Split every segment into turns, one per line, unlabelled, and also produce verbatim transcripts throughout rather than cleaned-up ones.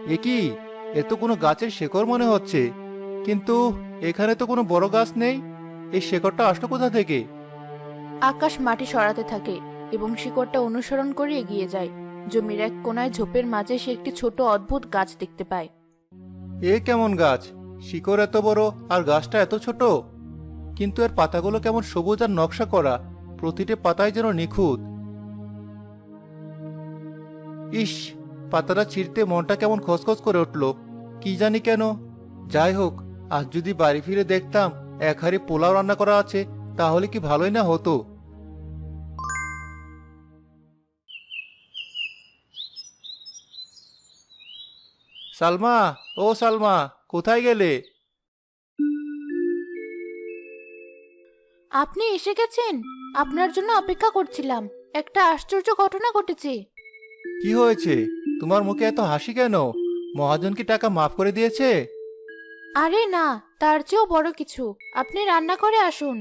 এ কি? এ তো কোনো গাছের শেকড় মনে হচ্ছে, কিন্তু এখানে তো কোনো বড় গাছ নেই। এই শেকড়টা আসলো কোথা থেকে?
আকাশ মাটি সরাতে থাকে এবং শিকড়টা অনুসরণ করে এগিয়ে যায়। জমির এক কোনায় ঝোপের মাঝে সে একটি ছোট অদ্ভুত গাছ দেখতে পায়।
এ কেমন গাছ? শিকড় এত বড় আর গাছটা এত ছোট, কিন্তু এর পাতাগুলো কেমন সবুজ আর নকশা করা, প্রতিটি পাতায় যেন নিখুঁত। ইস, পাতাটা ছিঁড়তে মনটা কেমন খসখস করে উঠল, কি জানি কেন। যাই হোক, আজ যদি বাড়ি ফিরে দেখতাম এক হাঁড়ি পোলাও রান্না করা আছে, তাহলে কি ভালোই না হতো। সালমা, ও সালমা, কোথায় গেলে?
আপনি এসে গেছেন? আপনার জন্য অপেক্ষা করছিলাম। একটা আশ্চর্য ঘটনা ঘটেছে।
কি হয়েছে? তোমার মুখে এত হাসি কেন? মহাজন কি টাকা মাফ করে দিয়েছে?
আরে না, তার চেয়েও বড় কিছু। আপনি রান্না করে আসুন।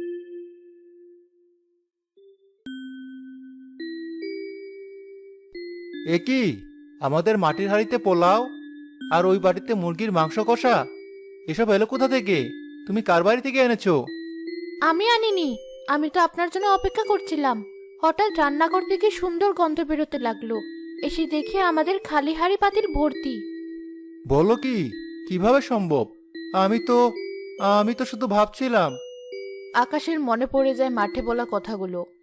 এ কি? আমাদের মাটির হাঁড়িতে পোলাও, আর ওই বাড়িতে মুরগির মাংস কষা, এসব এলো কোথা থেকে? তুমি কার বাড়ি থেকে এনেছো?
আমি আনিনি। আমি তো আপনার জন্য অপেক্ষা করছিলাম। হঠাৎ রান্নাঘর থেকে সুন্দর গন্ধ বেরোতে লাগলো। এসে দেখে আমাদের খালি হাঁড়ি পাতিল ভর্তি।
বলো কি? কিভাবে সম্ভব? আমি তো আমি তো শুধু ভাবছিলাম।
আকাশের মনে পড়ে যায় মাঠে বলা কথাগুলো।